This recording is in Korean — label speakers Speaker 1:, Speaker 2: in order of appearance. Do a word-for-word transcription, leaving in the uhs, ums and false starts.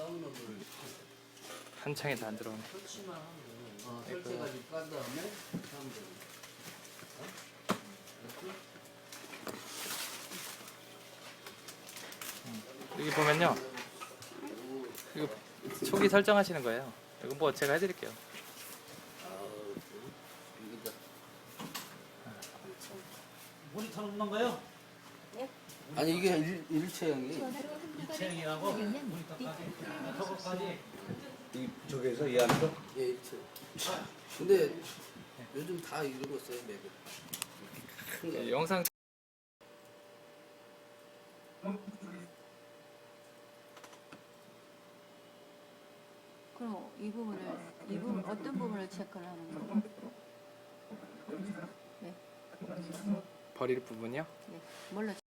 Speaker 1: 다운로드를
Speaker 2: 한 창에 다 안 들어오네.
Speaker 1: 설치만 하면 되는 어, 설치해가지고 깐 다음에 하면 되는 어?
Speaker 2: 여기 보면요, 이거 초기 설정하시는 거예요. 이거 뭐 제가 해드릴게요.
Speaker 1: 아우, 이거다.
Speaker 3: 모니터 없는 거요?
Speaker 1: 아니 이게 일, 일체형이
Speaker 3: 일체형이라고 모니터까지 저거까지
Speaker 4: 이 저기에서 이 안에서
Speaker 1: 예 일체. 근데 요즘 다 이런 거 써요 맵을. 큰 거.
Speaker 2: 이 영상
Speaker 5: 그럼 이 부분을 이 부분 어떤 부분을 체크를 하는 거예요? 네,
Speaker 2: 버릴 부분이요.
Speaker 5: 네. 뭘로